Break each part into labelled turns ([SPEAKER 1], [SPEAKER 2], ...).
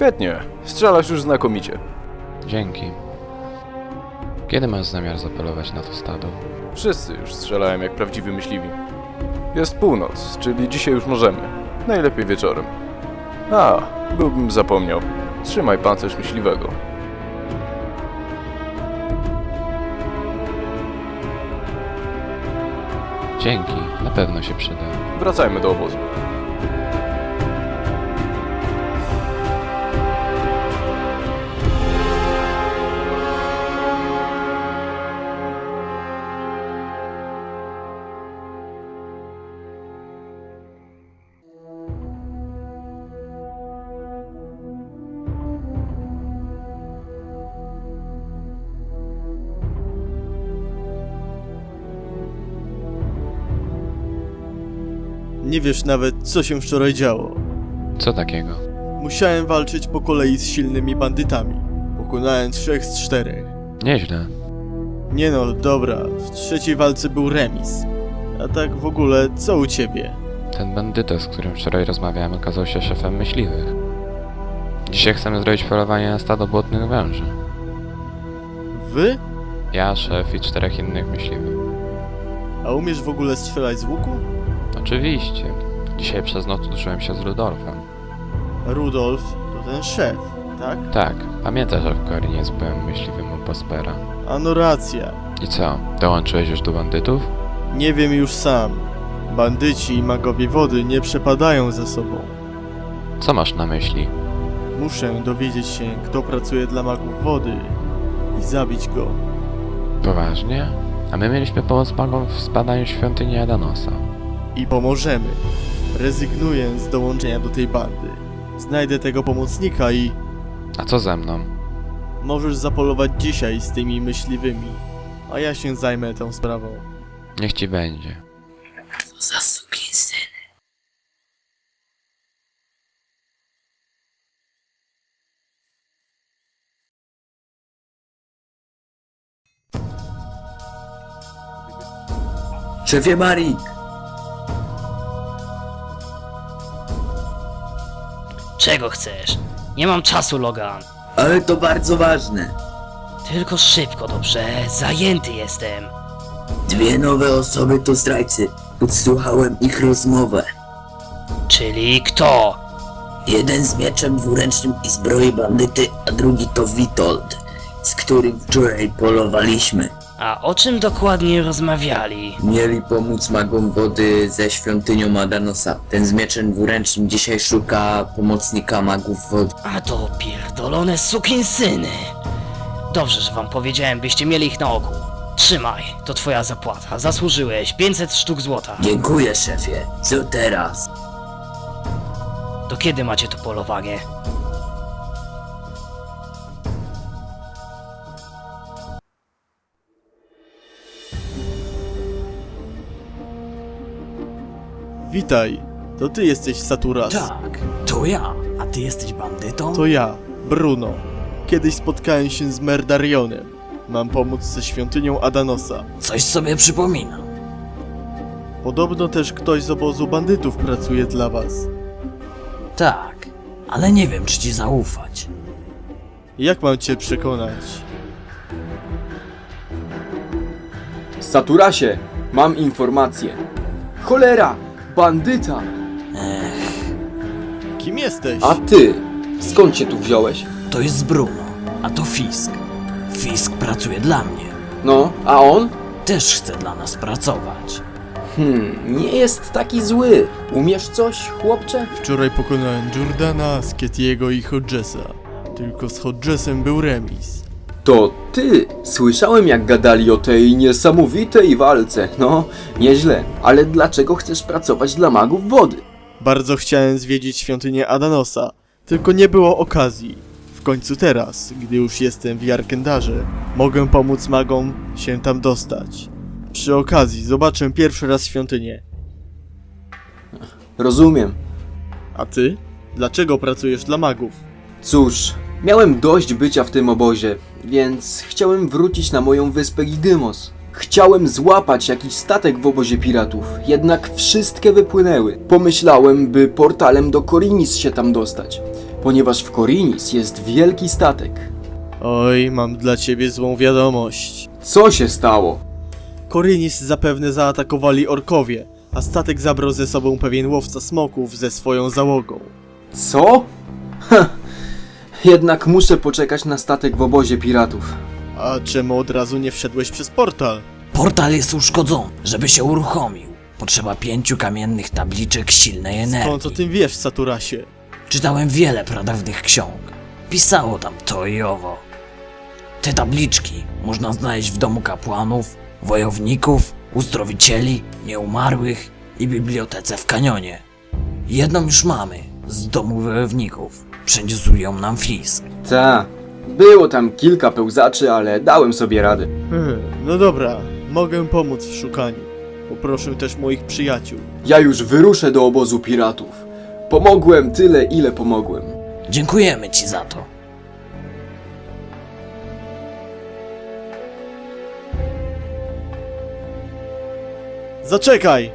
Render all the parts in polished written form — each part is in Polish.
[SPEAKER 1] Świetnie, strzelasz już znakomicie.
[SPEAKER 2] Dzięki. Kiedy masz zamiar zapolować na to stado?
[SPEAKER 1] Wszyscy już strzelają jak prawdziwi myśliwi. Jest północ, czyli dzisiaj już możemy. Najlepiej wieczorem. Byłbym zapomniał. Trzymaj pancerz myśliwego.
[SPEAKER 2] Dzięki, na pewno się przyda.
[SPEAKER 1] Wracajmy do obozu.
[SPEAKER 3] Nie wiesz nawet, co się wczoraj działo.
[SPEAKER 2] Co takiego?
[SPEAKER 3] Musiałem walczyć po kolei z silnymi bandytami. Pokonałem 3 z 4.
[SPEAKER 2] Nieźle.
[SPEAKER 3] Nie no, dobra, w trzeciej walce był remis. A tak w ogóle, co u ciebie?
[SPEAKER 2] Ten bandyta, z którym wczoraj rozmawiałem, okazał się szefem myśliwych. Dzisiaj chcemy zrobić polowanie na stado błotnych węży.
[SPEAKER 3] Wy?
[SPEAKER 2] Ja, szef i 4 innych myśliwych.
[SPEAKER 3] A umiesz w ogóle strzelać z łuku?
[SPEAKER 2] Oczywiście. Dzisiaj przez noc uczyłem się z Rudolfem.
[SPEAKER 3] Rudolf to ten szef, tak?
[SPEAKER 2] Tak, pamiętasz, że w Korinie byłem myśliwym u Prospera.
[SPEAKER 3] Ano racja.
[SPEAKER 2] I co, dołączyłeś już do bandytów?
[SPEAKER 3] Nie wiem już sam. Bandyci i magowie wody nie przepadają ze sobą.
[SPEAKER 2] Co masz na myśli?
[SPEAKER 3] Muszę dowiedzieć się, kto pracuje dla magów wody i zabić go.
[SPEAKER 2] Poważnie? A my mieliśmy pomóc magom w zbadaniu świątyni Adanosa.
[SPEAKER 3] I pomożemy. Rezygnuję z dołączenia do tej bandy. Znajdę tego pomocnika i
[SPEAKER 2] A co ze mną?
[SPEAKER 3] możesz zapolować dzisiaj z tymi myśliwymi, a ja się zajmę tą sprawą.
[SPEAKER 2] Niech ci będzie.
[SPEAKER 4] Za sukinsyn. Szefie Marik!
[SPEAKER 5] Czego chcesz? Nie mam czasu, Logan.
[SPEAKER 4] Ale to bardzo ważne.
[SPEAKER 5] Tylko szybko, dobrze? Zajęty jestem.
[SPEAKER 4] 2 nowe osoby to zdrajcy. Podsłuchałem ich rozmowę.
[SPEAKER 5] Czyli kto?
[SPEAKER 4] Jeden z mieczem dwuręcznym i zbroi bandyty, a drugi to Witold, z którym wczoraj polowaliśmy.
[SPEAKER 5] A o czym dokładnie rozmawiali?
[SPEAKER 4] Mieli pomóc magom wody ze świątynią Adanosa. Ten z mieczem dwuręcznym dzisiaj szuka pomocnika magów wody.
[SPEAKER 5] A to pierdolone sukinsyny. Dobrze, że wam powiedziałem, byście mieli ich na oku. Trzymaj, to twoja zapłata. Zasłużyłeś 500 sztuk złota.
[SPEAKER 4] Dziękuję, szefie. Co teraz?
[SPEAKER 5] Do kiedy macie to polowanie?
[SPEAKER 3] Witaj, to ty jesteś Saturas.
[SPEAKER 6] Tak, to ja. A ty jesteś bandytą?
[SPEAKER 3] To ja, Bruno. Kiedyś spotkałem się z Merdarionem. Mam pomóc ze świątynią Adanosa.
[SPEAKER 6] Coś sobie przypominam.
[SPEAKER 3] Podobno też ktoś z obozu bandytów pracuje dla was.
[SPEAKER 6] Tak, ale nie wiem, czy ci zaufać.
[SPEAKER 3] Jak mam cię przekonać?
[SPEAKER 7] Saturasie, mam informację. Cholera! Bandyta!
[SPEAKER 3] Kim jesteś?
[SPEAKER 7] A ty? Skąd się tu wziąłeś?
[SPEAKER 6] To jest Bruno, a to Fisk. Fisk pracuje dla mnie.
[SPEAKER 7] No, a on?
[SPEAKER 6] Też chce dla nas pracować.
[SPEAKER 7] Nie jest taki zły. Umiesz coś, chłopcze?
[SPEAKER 3] Wczoraj pokonałem Jordana, Sketiego i Hodgesa. Tylko z Hodgesem był remis.
[SPEAKER 7] To ty! Słyszałem jak gadali o tej niesamowitej walce. No, nieźle. Ale dlaczego chcesz pracować dla magów wody?
[SPEAKER 3] Bardzo chciałem zwiedzić świątynię Adanosa, tylko nie było okazji. W końcu teraz, gdy już jestem w Jarkendarze, mogę pomóc magom się tam dostać. Przy okazji zobaczę pierwszy raz świątynię.
[SPEAKER 7] Rozumiem.
[SPEAKER 3] A ty? Dlaczego pracujesz dla magów?
[SPEAKER 7] Cóż, miałem dość bycia w tym obozie, więc chciałem wrócić na moją wyspę Gidymos. Chciałem złapać jakiś statek w obozie piratów, jednak wszystkie wypłynęły. Pomyślałem, by portalem do Korinis się tam dostać. ponieważ w Korinis jest wielki statek.
[SPEAKER 3] Oj, mam dla ciebie złą wiadomość.
[SPEAKER 7] Co się stało?
[SPEAKER 3] Korinis zapewne zaatakowali orkowie, a statek zabrał ze sobą pewien łowca smoków ze swoją załogą.
[SPEAKER 7] Co? Ha. Jednak muszę poczekać na statek w obozie piratów.
[SPEAKER 3] A czemu od razu nie wszedłeś przez portal?
[SPEAKER 6] Portal jest uszkodzony. Żeby się uruchomił, potrzeba 5 kamiennych tabliczek silnej energii.
[SPEAKER 3] Skąd o tym wiesz, Saturasie?
[SPEAKER 6] Czytałem wiele pradawnych ksiąg. Pisało tam to i owo. Te tabliczki można znaleźć w domu kapłanów, wojowników, uzdrowicieli, nieumarłych i bibliotece w kanionie. Jedną już mamy, z domu wojowników. Przyniósł ją nam Fisk.
[SPEAKER 7] Ta, było tam kilka pełzaczy, ale dałem sobie radę.
[SPEAKER 3] No dobra, mogę pomóc w szukaniu. Poproszę też moich przyjaciół.
[SPEAKER 7] Ja już wyruszę do obozu piratów. Pomogłem tyle, ile pomogłem.
[SPEAKER 6] Dziękujemy ci za to.
[SPEAKER 3] Zaczekaj!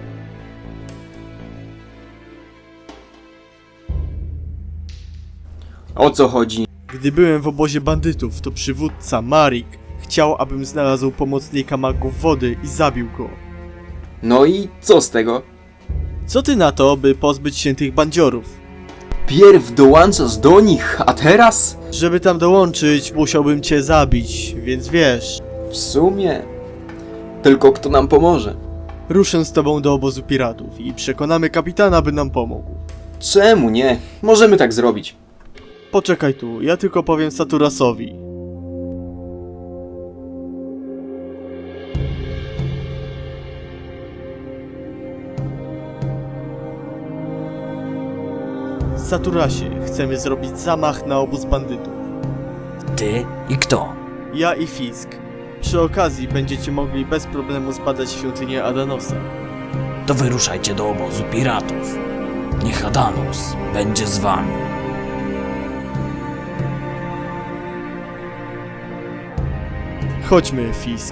[SPEAKER 7] O co chodzi?
[SPEAKER 3] Gdy byłem w obozie bandytów, to przywódca, Marik, chciał, abym znalazł pomocnika magów wody i zabił go.
[SPEAKER 7] No i co z tego?
[SPEAKER 3] Co ty na to, by pozbyć się tych bandziorów?
[SPEAKER 7] Pierw dołączasz do nich, a teraz?
[SPEAKER 3] Żeby tam dołączyć, musiałbym cię zabić, więc wiesz.
[SPEAKER 7] W sumie... Tylko kto nam pomoże?
[SPEAKER 3] Ruszę z tobą do obozu piratów i przekonamy kapitana, by nam pomógł.
[SPEAKER 7] Czemu nie? Możemy tak zrobić.
[SPEAKER 3] Poczekaj tu, ja tylko powiem Saturasowi. Saturasie, chcemy zrobić zamach na obóz bandytów.
[SPEAKER 6] Ty i kto?
[SPEAKER 3] Ja i Fisk. Przy okazji będziecie mogli bez problemu zbadać świątynię Adanosa.
[SPEAKER 6] To wyruszajcie do obozu piratów. Niech Adanus będzie z wami.
[SPEAKER 3] Chodźmy, Fisk.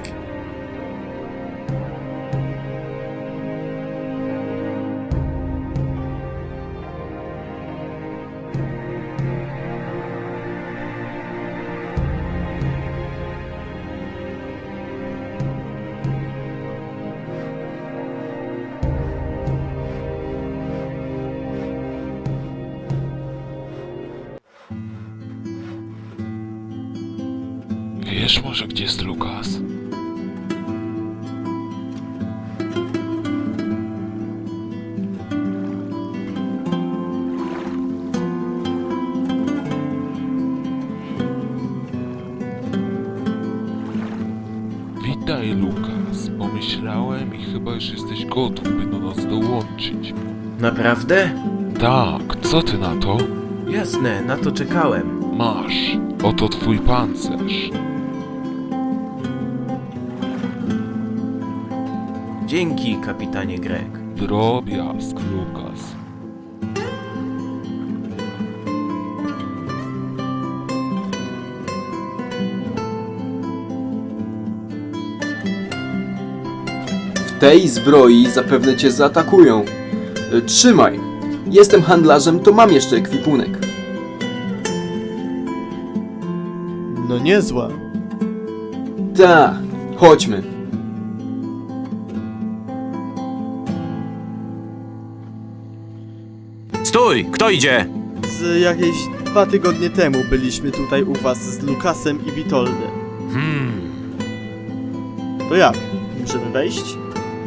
[SPEAKER 8] Wiesz może, gdzie jest Lukas? Witaj, Lukas. Pomyślałem i chyba już jesteś gotów, by do nas dołączyć.
[SPEAKER 9] Naprawdę?
[SPEAKER 8] Tak, co ty na to?
[SPEAKER 9] Jasne, na to czekałem.
[SPEAKER 8] Masz. Oto twój pancerz.
[SPEAKER 9] Dzięki, kapitanie Greg.
[SPEAKER 8] Drobiazg, Lukas.
[SPEAKER 7] W tej zbroi zapewne cię zaatakują. Trzymaj. Jestem handlarzem, to mam jeszcze ekwipunek.
[SPEAKER 3] No niezła.
[SPEAKER 7] Ta, chodźmy.
[SPEAKER 10] Stój! Kto idzie?
[SPEAKER 3] Z jakieś 2 tygodnie temu byliśmy tutaj u was z Lukasem i Witoldem. To jak? Możemy wejść?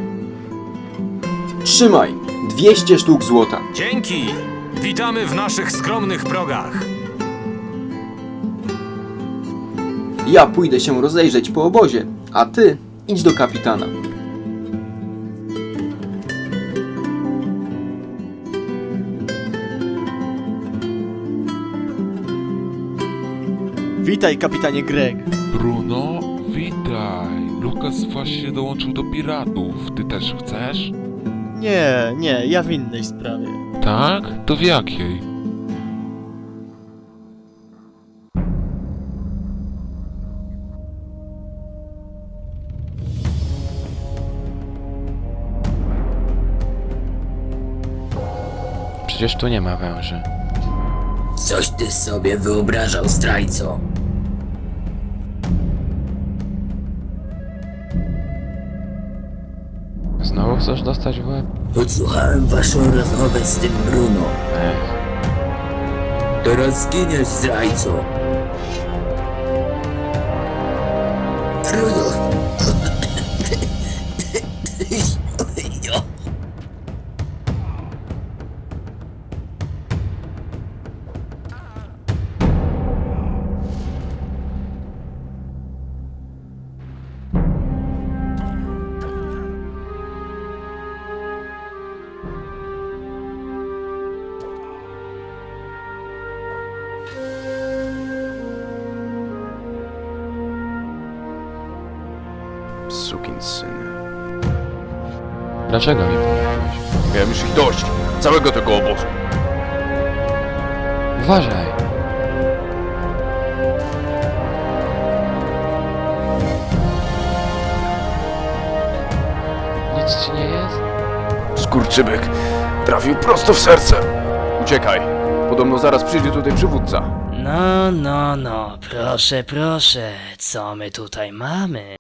[SPEAKER 7] Trzymaj. 200 sztuk złota.
[SPEAKER 10] Dzięki! Witamy w naszych skromnych progach.
[SPEAKER 7] Ja pójdę się rozejrzeć po obozie, a ty idź do kapitana.
[SPEAKER 3] Witaj, kapitanie Greg.
[SPEAKER 8] Bruno, witaj. Lukas właśnie dołączył do piratów. Ty też chcesz?
[SPEAKER 3] Nie, ja w innej sprawie.
[SPEAKER 8] Tak? To w jakiej?
[SPEAKER 2] Przecież tu nie ma węży.
[SPEAKER 4] Coś ty sobie wyobrażał, zdrajco.
[SPEAKER 2] Znowu chcesz dostać w łeb?
[SPEAKER 4] Podsłuchałem waszą rozmowę z tym Bruno.
[SPEAKER 2] Ech,
[SPEAKER 4] Teraz zginiesz, zdrajco. Bruno.
[SPEAKER 1] Sukinsyny.
[SPEAKER 2] dlaczego mi pomogłeś?
[SPEAKER 1] Miałem już ich dość. Całego tego obozu.
[SPEAKER 2] Uważaj! Nic ci nie jest?
[SPEAKER 1] Skurczybyk trafił prosto w serce. Uciekaj. Podobno zaraz przyjdzie tutaj przywódca.
[SPEAKER 5] No, proszę, co my tutaj mamy?